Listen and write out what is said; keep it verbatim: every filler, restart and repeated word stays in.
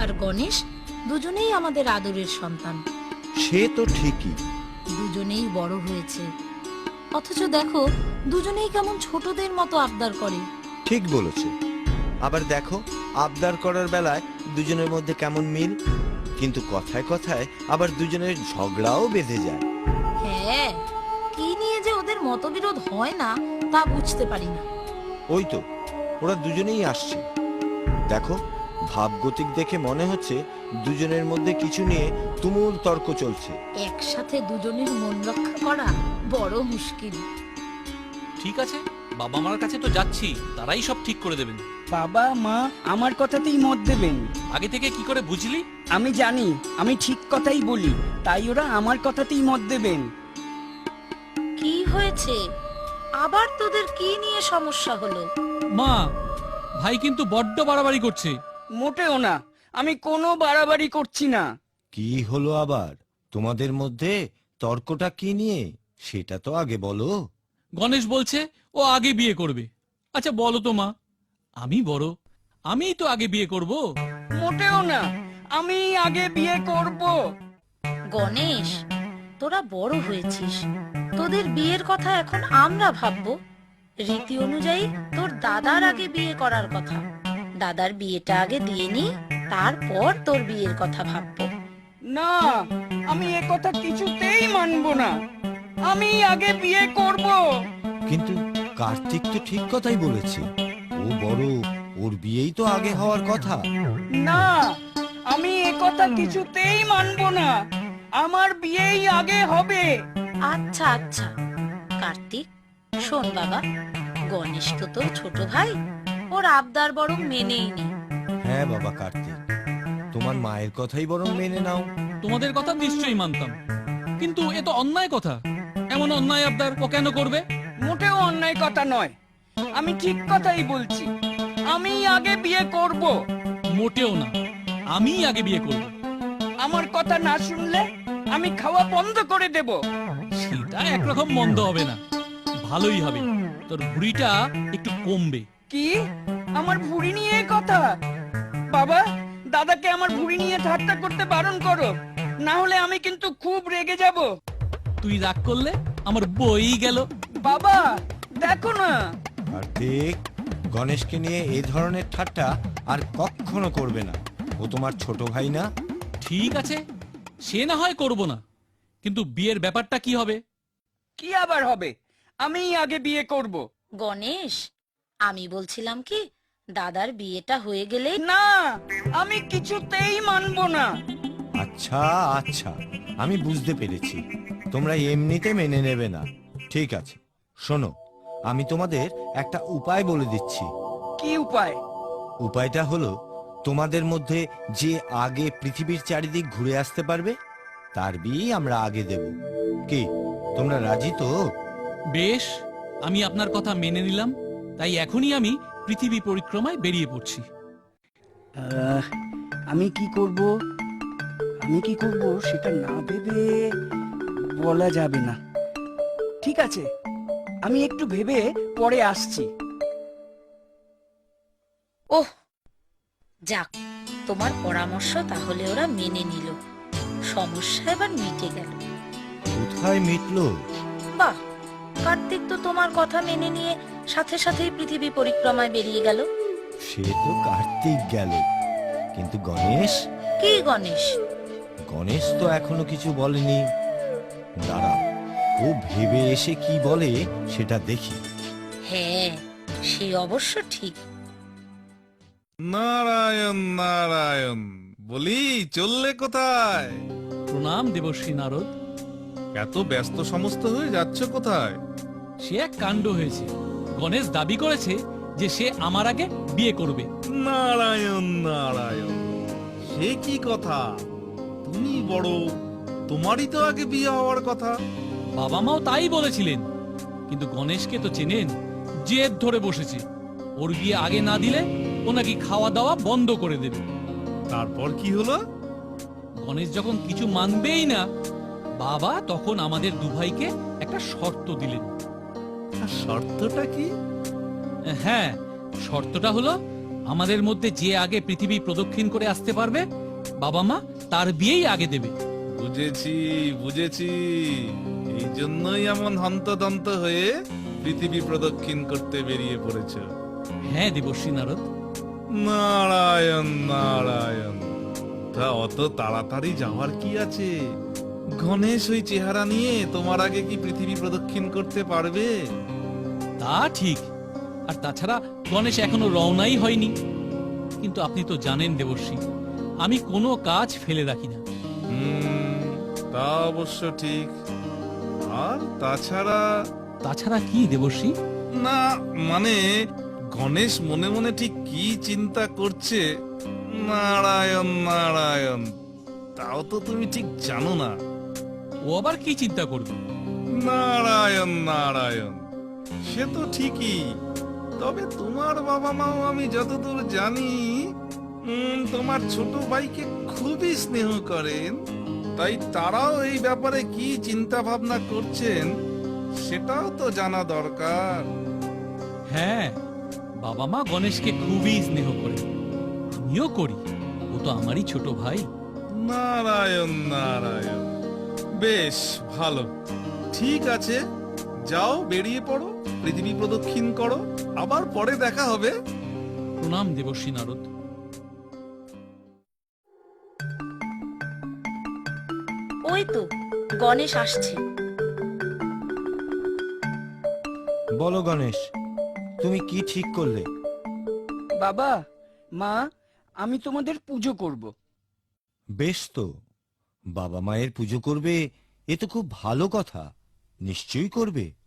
আর গণেশ দুজনেই আমাদের আদরের সন্তান। সে তো ঠিকই, দুজনেই বড় হয়েছে, অথচ দেখো দুজনেই কেমন ছোটদের মতো আবদার করে। ঠিক বলেছে। আবার দেখো আবদার করার বেলায় দুজনের মধ্যে কেমন মিল, কিন্তু কথায় কথায় আবার দুজনের ঝগড়াও বেঁধে যায়। হ্যাঁ, কি নিয়ে যে ওদের মতবিরোধ হয় না তা বুঝতে পারি না। ওই তো ওরা দুজনেই আসছে, দেখো ভাবগতিক দেখে মনে হচ্ছে দুজনের মধ্যে কিছু নিয়ে তুমুল তর্ক চলছে। একসাথে দুজনের মন রক্ষা করা বড় মুশকিল। ঠিক আছে, বাবা মার কাছে তো যাচ্ছি, তারাই সব ঠিক করে দেবেন। বাবা মা আমার কথাতেই মত দেবেন। আগে থেকে কি করে বুঝলি? আমি জানি আমি ঠিক কথাই বলি, তাই ওরা আমার কথাতেই মত দেবেন। কি হয়েছে আবার, তোদের কি নিয়ে সমস্যা হলো? মা, ভাই কিন্তু বড্ড বাড়াবাড়ি করছে। মোটেও না, আমি কোনো বাড়াবাড়ি করছি না। কি হলো আবার, তোমাদের মধ্যে তর্কটা কি নিয়ে সেটা তো আগে বলো। গণেশ বলছে ও আগে বিয়ে করবে। আচ্ছা বলো তো মা, আমি বড়, আমিই তো আগে বিয়ে করব। মোটেও না, আমি আগে বিয়ে করব। গণেশ, তোরা বড় হয়েছিস, তোদের বিয়ের কথা এখন আমরা ভাববো। রীতি অনুযায়ী তোর দাদার আগে বিয়ে করার কথা। দাদার বিয়েটা আগে দিয়ে নি, তারপর তোর বিয়ের কথা ভাববো। না, আমি এ কথা কিছুতেই মানবো না। আমি আগে বিয়ে করব। কিন্তু কার্তিক তো ঠিক কথাই বলেছে, ও বড়, ওর বিয়েই তো আগে হওয়ার কথা। না, আমি এ কথা কিছুতেই মানবো না। আমার বিয়েই আগে হবে। আচ্ছা আচ্ছা কার্তিক, শোন বাবা, গণেশ তো তোর ছোট ভাই, ওর আবদার বরং মেনেই নি। হ্যাঁ বাবা কার্তিক, তোমার মায়ের কথাই বরং মেনে নাও। তোমাদের কথা নিশ্চয়ই মানতাম, কিন্তু এ তো অন্যায় কথা। এমন অন্যায় আবদার ও কেন করবে? মোটেও অন্যায় কথা নয়, আমি ঠিক কথাই বলছি। আমি আগে বিয়ে করব। মোটেও না, আমি আগে বিয়ে করব। আমার কথা না শুনলে আমি খাওয়া বন্ধ করে দেব। সেটা একরকম মন্দ হবে না, ভালোই হবে। তোর ভুঁড়িটা একটু কমবে। কি, আমার ভুঁড়ি নিয়ে কথা? বাবা, দাদাকে আমার ভুঁড়ি নিয়ে ঠাট্টা করতে বারণ করো, না হলে আমি কিন্তু খুব রেগে যাব। তুই রাগ করলে আমার বই গেল। বাবা দেখো না। কার্তিক, গণেশকে নিয়ে এই ধরনের ঠাট্টা আর কখনো করবে না, ও তোমার ছোট ভাই না। ঠিক আছে, সে না হয় করব না, কিন্তু বিয়ের ব্যাপারটা কি হবে? কি আবার হবে? আমি আগে বিয়ে করব। গণেশ, আমি বলছিলাম কি, দাদার বিয়েটা হয়ে গেলে। না, আমি কিছুতেই মানবো না। আচ্ছা আচ্ছা, আমি বুঝতে পেরেছি, তোমরা এমনিতে মেনে নেবে না। ঠিক আছে, শোনো, আমি তোমাদের একটা উপায় বলে দিচ্ছি। কি উপায়? উপায়টা হলো, তোমাদের মধ্যে যে আগে পৃথিবীর চারিদিক ঘুরে আসতে পারবে তার বিয়ে আমরা আগে দেব। কি, তোমরা রাজি তো? বেশ, আমি আপনার কথা মেনে নিলাম। তাই এখনই আমি পৃথিবী পরিক্রমায় বেরিয়ে পড়ছি। আহ, আমি কি করব আমি কি করব সেটা না ভেবে বলা যাবে না। ঠিক আছে, আমি একটু ভেবে পরে আসছি। ওহ, যাক, তোমার পরামর্শ তাহলে ওরা মেনে নিল, সমস্যা এবার মিটে গেল। কোথায় মিটলো? বাহ, কার্তিক তো তোমার কথা মেনে নিয়ে সাথে সাথেই পৃথিবী পরিক্রমায় বেরিয়ে গেল। সে তো কার্তিক গেল, কিন্তু গণেশ? কি গণেশ? গণেশ তো এখনো কিছু বলেনি। দাঁড়াও, ও ভেবে এসে কি বলে সেটা দেখি। হ্যাঁ, সে অবশ্য ঠিক। নারায়ণ নারায়ণ, বলি চললে কোথায়? প্রণাম দেবশ্রী নারদ। এত ব্যস্ত সমস্ত হয়ে যাচ্ছ কোথায়? সে এক কাণ্ড হয়েছে। গণেশ দাবি করেছে যে সে আমার আগে বিয়ে করবে। নারায়ণ নারায়ণ, সে কি কথা? তুমি বড়, তোমারই তো আগে বিয়ে হওয়ার কথা। বাবা মাও তাই বলেছিলেন, কিন্তু গণেশকে তো চেনেন, জেদ ধরে বসেছে। ওর বিয়ে আগে না দিলে ও নাকি খাওয়া দাওয়া বন্ধ করে দেবে। তারপর কি হলো? গণেশ যখন কিছু মানবেই না, বাবা তখন আমাদের দুভাইকে একটা শর্ত দিলেন। শর্তটা কি? হ্যাঁ, শর্তটা হলো আমাদের মধ্যে যে আগে পৃথিবী প্রদক্ষিণ করে আসতে পারবে বাবা মা তার বিয়েই আগে দেবে। বুঝেছি বুঝেছি, এই জন্যই এমন হন্তদন্ত হয়ে পৃথিবী প্রদক্ষিণ করতে বেরিয়ে পড়েছ। হ্যাঁ দেবর্ষী নারদ। নারায়ণ নারায়ণ, তা অত তাড়াতাড়ি যাওয়ার কি আছে? গণেশ ওই চেহারা নিয়ে তোমার আগে কি পৃথিবী প্রদক্ষিণ করতে পারবে? তা ঠিক, আর তাছাড়া গণেশ এখনো রওনাই হয়নি। কিন্তু আপনি তো জানেন দেবর্ষী, আমি কোনো কাজ ফেলে রাখি না। হুম, তা অবশ্য ঠিক। আর তাছাড়া তাছাড়া কি দেবর্ষী? না, মানে গণেশ মনে মনে ঠিক কি চিন্তা করছে, নারায়ণ নারায়ণ, তাও তো তুমি ঠিক জানো না। ও আবার কি চিন্তা করবে? নারায়ণ নারায়ণ, সে তো ঠিকই, তবে তোমার বাবা মাও আমি যতদূর জানি উম, তোমার ছোট ভাইকে খুবই স্নেহ করেন, তাই তারাও এই ব্যাপারে কি চিন্তা ভাবনা করছেন সেটাও তো জানা দরকার। হ্যাঁ, বাবা মা গণেশকে খুবই স্নেহ করে, আমিও করি, ও তো আমারই ছোট ভাই। নারায়ণ নারায়ণ, বেশ ভালো, ঠিক আছে, যাও বেরিয়ে পড়ো, পৃথিবী প্রদক্ষিণ করো, আবার পরে দেখা হবে। প্রণাম দেবর্ষী নারদ। ওই তো গণেশ আসছে। বলো গণেশ, তুমি কি ঠিক করলে? বাবা মা, আমি তোমাদের পুজো করব। বেশ তো, বাবা মায়ের পুজো করবে, এ তো খুব ভালো কথা, নিশ্চয়ই করবে।